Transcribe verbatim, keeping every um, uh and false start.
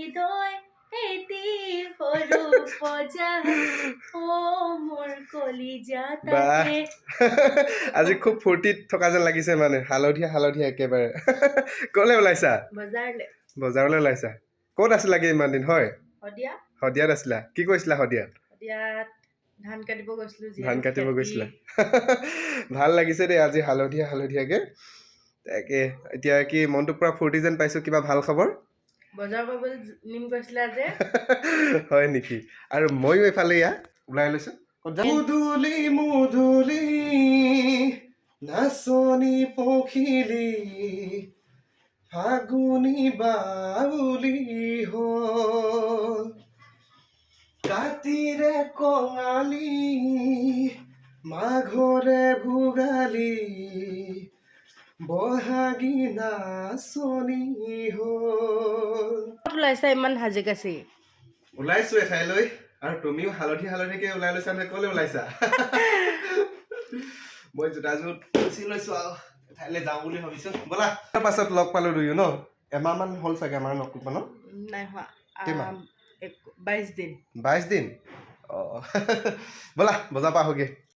হৃদয় এটি সৰু পজা ও মোৰ কলিজা তাতে আজি খুব ফূৰ্তিত থকা যেন লাগিছে মানে হালধীয়া হালধীয়া একেবাৰে ক'লে ওলাইছা বজাৰলে বজাৰলৈ ওলাইছা ক'ত আছিলা কি ইমান দিন হয় শদিয়া শদিয়াত আছিলা কি কৈছিলা শদিয়াত শদিয়াত ধান কাটিব গৈছিলো ধান কাটিব গৈছিলা ভাল লাগিছে দেই আজি হালধীয়া হালধীয়াকে তাকে এতিয়া কি মনটো পুৰা ফূৰ্তি যেন পাইছো কিবা ভাল খবৰ বজাৰ কৰিবলৈ নিম গৈছিলা যে হয় নেকি আৰু ময়ো এফালে ইয়া ওলাই লৈছো মুদুলি মুদুলি নাচনি পখিলি ফাগুনি বাউলি হ'ল কাতিৰে কঙালী মাঘৰে ভোগালী বহাগী নাচনি হ'ল ওলাইছা ইমান সাজি কাচি ওলাইছো এঠাইলৈ আৰু তুমিও হালধি হালধিকে ওলাই লৈছা নে ক'লে ওলাইছা মই জোতাযোৰ উচি লৈছো আৰু এঠাইলৈ যাওঁ বুলি ভাবিছো ব'লা তাৰ পাছত লগ পালো দুয়ো ন এমাহ মান হ'ল চাগে আমাৰ লগ পোৱা ন নাই হোৱা কিমান বাইছ দিন বাইছ দিন অঁ ব'লা বজাৰ পৰা আহোঁগৈ